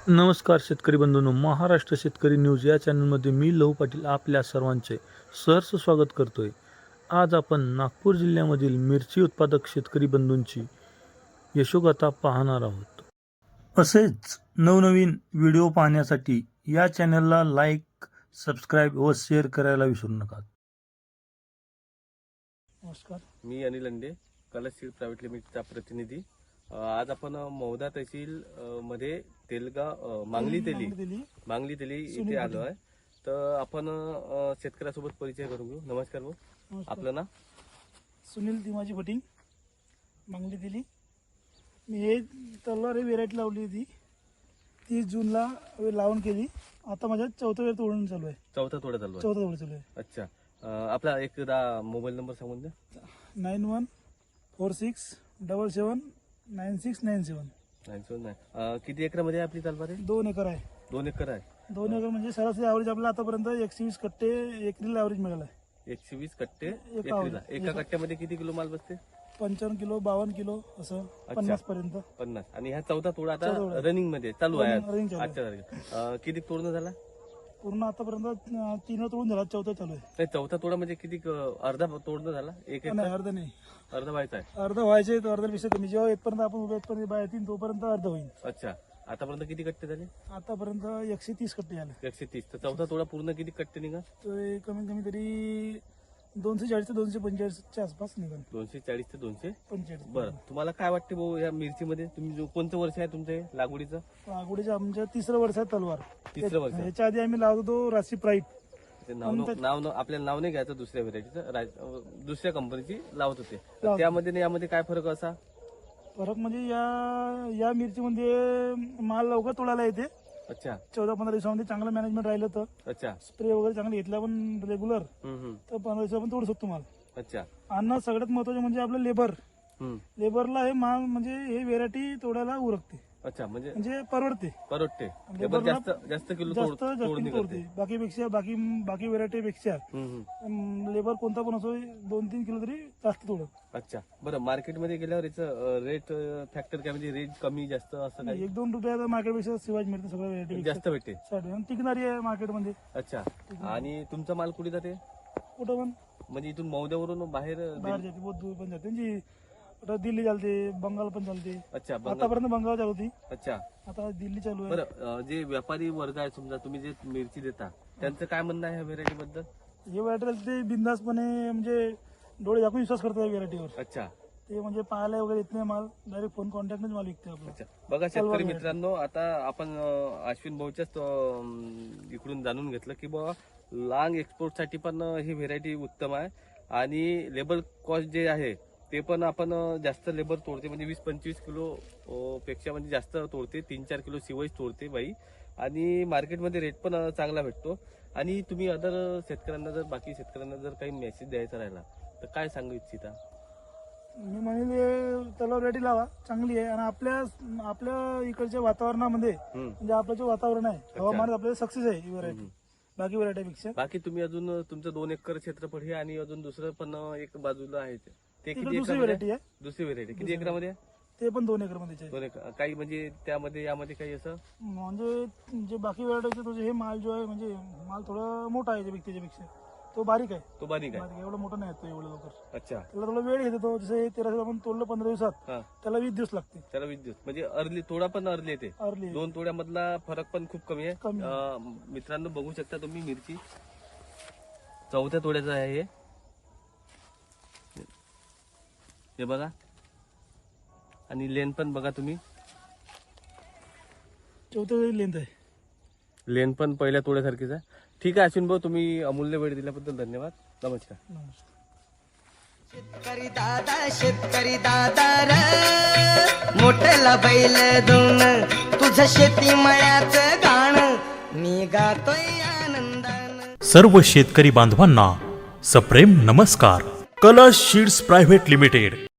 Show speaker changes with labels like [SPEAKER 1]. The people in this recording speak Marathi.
[SPEAKER 1] नमस्कार शेतकरी बंधूंनो, महाराष्ट्र शेतकरी न्यूज या चॅनलमध्ये मी लहू पाटील आपल्या सर्वांचे सहर्ष स्वागत करतोय। आज आपण नागपूर जिल्ह्यामधील मिरची उत्पादक शेतकरी बंधूंची यशोगाथा पाहणार आहोत। असेच नवनवीन व्हिडिओ पाहण्यासाठी या चॅनलला लाईक, सबस्क्राईब व शेअर करायला विसरू नका।
[SPEAKER 2] नमस्कार,
[SPEAKER 3] मी अनिल अंडे, कलश सीड प्रायव्हेट लिमिटेडचा प्रतिनिधी। आज आपण मौदा तहसील मध्ये तेलगाव मांगली तेली इथे आलो आहे। तर आपण शेतकऱ्यासोबत परिचय करून घेऊ। नमस्कार भाऊ, आपलं नाव?
[SPEAKER 2] सुनील दिमाजी भटिंग, मांगली दिली। मी हे तलवार व्हेरायटी लावली होती, 30 जूनला लावून केली। आता माझ्या चौथा वेळ तोडून चालू आहे।
[SPEAKER 3] चौथा तोडा चालू आहे।
[SPEAKER 2] चौथा तोडा चालू आहे।
[SPEAKER 3] अच्छा, आपला एकदा मोबाईल नंबर सांगून द्या।
[SPEAKER 2] 9146779697।
[SPEAKER 3] किती एकरामध्ये आपली तलवार आहे?
[SPEAKER 2] 2 एकर आहे।
[SPEAKER 3] 2 एकर आहे।
[SPEAKER 2] 2 एकर म्हणजे सरासरी ॲव्हरेज आपल्याला आतापर्यंत 120 कट्टे एकरीला ॲव्हरेज मिळाला आहे।
[SPEAKER 3] 120 कट्टे एकरीला। एका कट्ट्यामध्ये किती किलो माल बसते?
[SPEAKER 2] 55 किलो, 52 किलो, असं 50 पर्यंत।
[SPEAKER 3] 50। आणि हा चौथा तोडा आता रनिंग मध्ये चालू आहे।
[SPEAKER 2] रनिंग चालू आहे।
[SPEAKER 3] आजच्या तारखेला किती तोडणं झाला?
[SPEAKER 2] पूर्ण आतापर्यंत 3 तोडून झाला, चौथा चालू आहे।
[SPEAKER 3] नाही, चौथा तोडा म्हणजे किती? अर्धा तोडणं झाला? एक
[SPEAKER 2] नाही, अर्धा नाही,
[SPEAKER 3] अर्धा व्हायचा आहे।
[SPEAKER 2] अर्धा व्हायचे तर अर्ध्यापेक्षा कमी। जेव्हा येतपर्यंत आपण उभे येतपर्यंत बाय येतील तोपर्यंत अर्धा होईल।
[SPEAKER 3] अच्छा, आतापर्यंत किती कट्टे झाले?
[SPEAKER 2] आतापर्यंत 130 कट्टे झाले।
[SPEAKER 3] 130। तर चौथा तोडा पूर्ण किती कट्टे निघा?
[SPEAKER 2] तर हे कमीत कमी तरी 240 ते 245 च्या आसपास निघाल।
[SPEAKER 3] 240 ते 245।
[SPEAKER 2] 45।
[SPEAKER 3] बरं, तुम्हाला काय वाटते भाऊ या मिरचीमध्ये? तुम्ही कोणतं वर्ष आहे तुमचं हे लागवडीचं?
[SPEAKER 2] लागवडीचं आमच्या 3रं वर्ष आहे तलवार।
[SPEAKER 3] 3रं वर्ष।
[SPEAKER 2] ह्याच्या आधी आम्ही लावत होतो राशी प्राईट।
[SPEAKER 3] नाव आपल्याला नाव नाही घ्यायचं, दुसऱ्या व्हेरायटीचं, दुसऱ्या कंपनीची लावत होते। त्यामध्ये आणि यामध्ये काय फरक असा?
[SPEAKER 2] फरक म्हणजे या मिरचीमध्ये माल लवकर तोडायला येते।
[SPEAKER 3] अच्छा,
[SPEAKER 2] 14-15 दिवसामध्ये चांगलं मॅनेजमेंट राहिलं तर,
[SPEAKER 3] अच्छा,
[SPEAKER 2] स्प्रे वगैरे चांगलं घेतला पण रेग्युलर, तर 15 दिवसात आपण तोडू शकतो माल।
[SPEAKER 3] अच्छा।
[SPEAKER 2] आणि सगळ्यात महत्वाचं म्हणजे आपलं लेबरला हे माल म्हणजे हे व्हेरायटी तोडायला उरकते।
[SPEAKER 3] अच्छा, म्हणजे
[SPEAKER 2] परवडते।
[SPEAKER 3] लेबर जास्त किलो तोडणी
[SPEAKER 2] तोडते। बाकी व्हेरायटीपेक्षा लेबर कोणता पण असो 2-3 किलो तरी जास्त तोडत।
[SPEAKER 3] अच्छा, बरं, मार्केटमध्ये गेल्यावर याचं रेट फॅक्टर काय, म्हणजे रेट कमी जास्त असं काय?
[SPEAKER 2] 1-2 रुपया मार्केटपेक्षा शिवाय मिळते, सगळ्या व्हेरायटी
[SPEAKER 3] जास्त भेटते।
[SPEAKER 2] टिकणारी आहे मार्केटमध्ये।
[SPEAKER 3] अच्छा, आणि तुमचा माल कुठे जाते?
[SPEAKER 2] कुठं पण,
[SPEAKER 3] म्हणजे इथून मौद्यावरून बाहेर
[SPEAKER 2] जाते, बहुत दूर पण जाते। म्हणजे आता दिल्ली चालते, बंगाल पण चालते।
[SPEAKER 3] अच्छा,
[SPEAKER 2] आतापर्यंत बंगाल चालू होती,
[SPEAKER 3] अच्छा,
[SPEAKER 2] आता दिल्ली चालू आहे।
[SPEAKER 3] बरं, जे व्यापारी वर्ग आहे, समजा तुम्ही जे मिरची देता, त्यांचं काय म्हणणं आहे ह्या व्हेरायटी बद्दल?
[SPEAKER 2] हे व्हेरायटी ते बिंदासपणे म्हणजे डोळे झाकून विश्वास करतात या व्हेरायटीवर।
[SPEAKER 3] अच्छा,
[SPEAKER 2] ते म्हणजे पाहायला वगैरे येत नाही माल, डायरेक्ट फोन कॉन्टॅक्टनेच माल विकते आपला।
[SPEAKER 3] अच्छा, बघा शेतकरी मित्रांनो, आता आपण अश्विन भाऊच्याच इकडून जाणून घेतलं की बाबा लांग एक्सपोर्टसाठी पण ही व्हेरायटी उत्तम आहे। आणि लेबर कॉस्ट जे आहे ते पण आपण जास्त लेबर तोडते, म्हणजे 20-25 किलो पेक्षा म्हणजे जास्त तोडते, 3-4 किलो शिवाय तोडते बाई। आणि मार्केटमध्ये रेट पण चांगला भेटतो। आणि तुम्ही अदर शेतकऱ्यांना जर बाकी शेतकऱ्यांना जर काही मेसेज द्यायचा राहिला तर काय सांगू इच्छिता?
[SPEAKER 2] मी म्हणेल तलाव व्हेरायटी लावा, चांगली आहे। आणि आपल्या इकडच्या वातावरणामध्ये म्हणजे आपलं जे वातावरण आहे, हवामान आपल्याला सक्सेस आहे ही व्हेरायटी बाकी व्हेरायटीपेक्षा।
[SPEAKER 3] बाकी तुम्ही अजून तुमचं 2 एकर क्षेत्रफळ आहे आणि अजून दुसरं पण एक बाजूला आहे, ते किती?
[SPEAKER 2] दुसरी व्हेरायटी आहे।
[SPEAKER 3] दुसरी व्हेरायटी किती एकरामध्ये आहे?
[SPEAKER 2] ते पण 2 एकर मध्ये
[SPEAKER 3] 2 एकर। काही म्हणजे त्यामध्ये यामध्ये काही असं
[SPEAKER 2] म्हणजे जे बाकी व्हेरायटी हे माल जो आहे, म्हणजे माल थोडा मोठा आहे त्याच्यापेक्षा, तो बारीक आहे।
[SPEAKER 3] तो बारीक आहे,
[SPEAKER 2] एवढं मोठं नाही येतो एवढं लवकर।
[SPEAKER 3] अच्छा,
[SPEAKER 2] त्याला थोडा वेळ घेतो। जसं हे 13 आपण तोडलं 15 दिवसात, त्याला 20 दिवस लागते।
[SPEAKER 3] त्याला 20 दिवस म्हणजे अर्ली, थोडा पण अर्ली येते। 2 तोड्यामधला फरक पण खूप कमी आहे। मित्रांनो, बघू शकता तुम्ही मिरची चौथ्या तोड्याचं आहे हे बघा। आणि लेन पण बघा तुम्ही,
[SPEAKER 2] चौथ्या लेंथ आहे।
[SPEAKER 3] लेन पण पहिल्या तोड्यासारखीच आहे। ठीक आहे अश्विन भाऊ, तुम्ही अमूल्य वेळ दिल्याबद्दल धन्यवाद। नमस्कार।
[SPEAKER 4] शेतकरी दादा रे, मोठ्याला बैल दोन, तुझं शेती मळ्याचं गाण मी गातोय आनंदान।
[SPEAKER 5] सर्व शेतकरी बांधवांना सप्रेम नमस्कार। कलश सीड्स प्रायव्हेट लिमिटेड